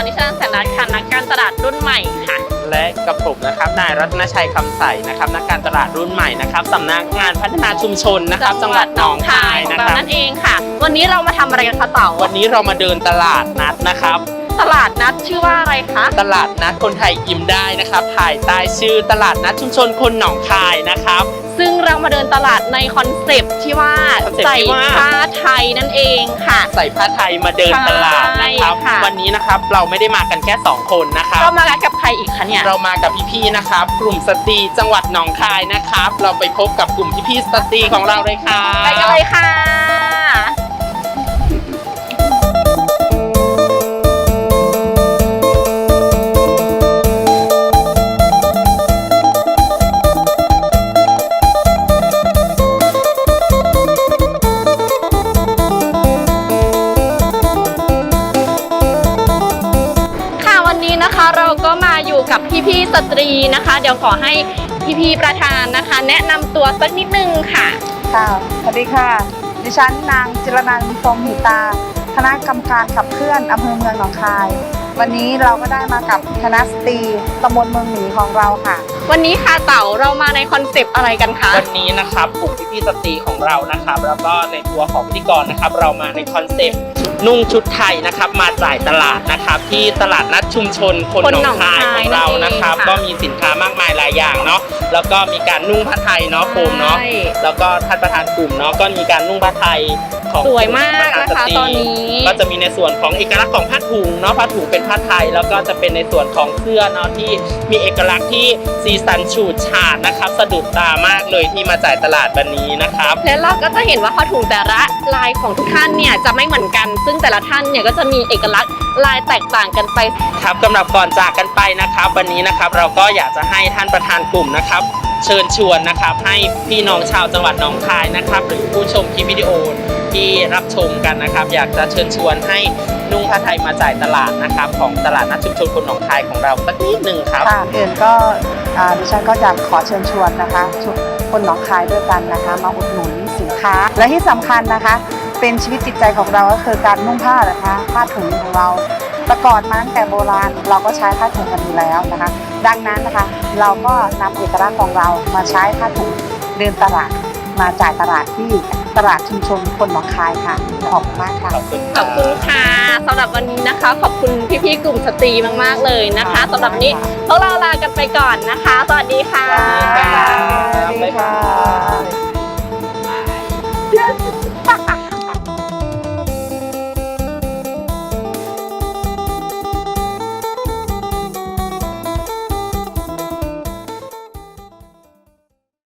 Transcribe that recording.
นิชนันท์ แสนรัตน์ค่ะนักการตลาดรุ่นใหม่ค่ะและกับผมนะครับนายรัตนชัยคำใสนะครับนักการตลาดรุ่นใหม่นะครับสำนักงานพัฒนาชุมชนนะครับจังหวัดหนองคายนะครับนั่นเองค่ะวันนี้เรามาทำอะไรกันคะเต๋าวันนี้เรามาเดินตลาดนัดนะครับตลาดนัดชื่อว่าอะไรคะตลาดนัดคนไทยยิ้มได้นะครับภายใต้ชื่อตลาดนัดชุมชนคนหนองคายนะครับซึ่งเรามาเดินตลาดในคอนเซปต์ที่ว่าใส่ผ้าไทยนั่นเองค่ะใส่ผ้าไทยมาเดินตลาดนะครับวันนี้นะครับเราไม่ได้มากันแค่2คนนะครับเรามากับใครอีกคะเนี่ยเรามากับพี่ๆนะครับกลุ่มสตรีจังหวัดหนองคายนะครับเราไปพบกับกลุ่มพี่ๆสตรีของเราเลยค่ะไปกันเลยค่ะเราก็มาอยู่กับพี่ๆสตรีนะคะเดี๋ยวขอให้พี่ๆประธานนะคะแนะนำตัวสักนิดนึงค่ะค่ะสวัสดีค่ะดิฉันนางจิรนันท์ พรหมหิตาคณะกรรมการขับเคลื่อนอำเภอเมืองหนองคายวันนี้เราก็ได้มากับคณะสตรีตำบลเมืองหมีของเราค่ะวันนี้ค่ะเต๋าเรามาในคอนเซปต์อะไรกันคะวันนี้นะครับกลุ่มพี่ๆสตรีของเรานะครับแล้วก็ในตัวของพิธีกรนะครับเรามาในคอนเซปต์นุ่งชุดไทยนะครับมาจ่ายตลาดนะครับที่ตลาดนัดชุมชนคนหนองคายของเรานะครับก็มีสินค้ามากมายหลายอย่างเนาะแล้วก็มีการนุ่งผ้าไทยเนาะโฟมเนาะแล้วก็ท่านประธานกลุ่มเนาะก็มีการนุ่งผ้าไทยสวยมากนะคะตอนนี้ก็จะมีในส่วนของเอกลักษณ์ของผ้าถุงเนาะผ้าถุงเป็นผ้าไทยแล้วก็จะเป็นในส่วนของเสื้อเนาะที่มีเอกลักษณ์ที่สีสันฉูดฉาดนะครับสะดุดตามากเลยที่มาจ่ายตลาดวันนี้นะครับและเราก็จะเห็นว่าผ้าถุงแต่ละลายของทุกท่านเนี่ยจะไม่เหมือนกันซึ่งแต่ละท่านเนี่ยก็จะมีเอกลักษณ์ลายแตกต่างกันไปครับสำหรับก่อนจากกันไปนะครับวันนี้นะครับเราก็อยากจะให้ท่านประธานกลุ่มนะครับเชิญชวนนะครับให้พี่น้องชาวจังหวัดหนองคายนะครับหรือผู้ชมคลิปวิดีโอที่รับชมกันนะครับอยากจะเชิญชวนให้นุ่งผ้าไทยมาจ่ายตลาดนะครับของตลาดนัดชุมชนคนหนองคายของเราสักนิดหนึ่งครับค่ะอื่นก็ดิฉันก็อยากขอเชิญชวนนะคะทุกคนหนองคายด้วยกันนะคะมาอุดหนุนสินค้าและที่สำคัญนะคะเป็นชีวิตจิตใจของเราก็คือการนุ่งผ้านะคะผ้าถุงของเราแต่ก่อนมาตั้งแต่โบราณเราก็ใช้ผ้าถุงกันอยู่แล้วนะคะดังนั้นนะคะเราก็นำเอกลักษณ์ของเรามาใช้ผ้าถุงเดินตลาดมาจ่ายตลาดที่ตลาดชุมชนคนหนองคายค่ะขอบคุณมากค่ะขอบคุณค่ะสำหรับวันนี้นะคะขอบคุณพี่ๆกลุ่มสตรีมากๆเลยนะคะสำหรับนี้พวกเราลากันไปก่อนนะคะสวัสดีค่ะ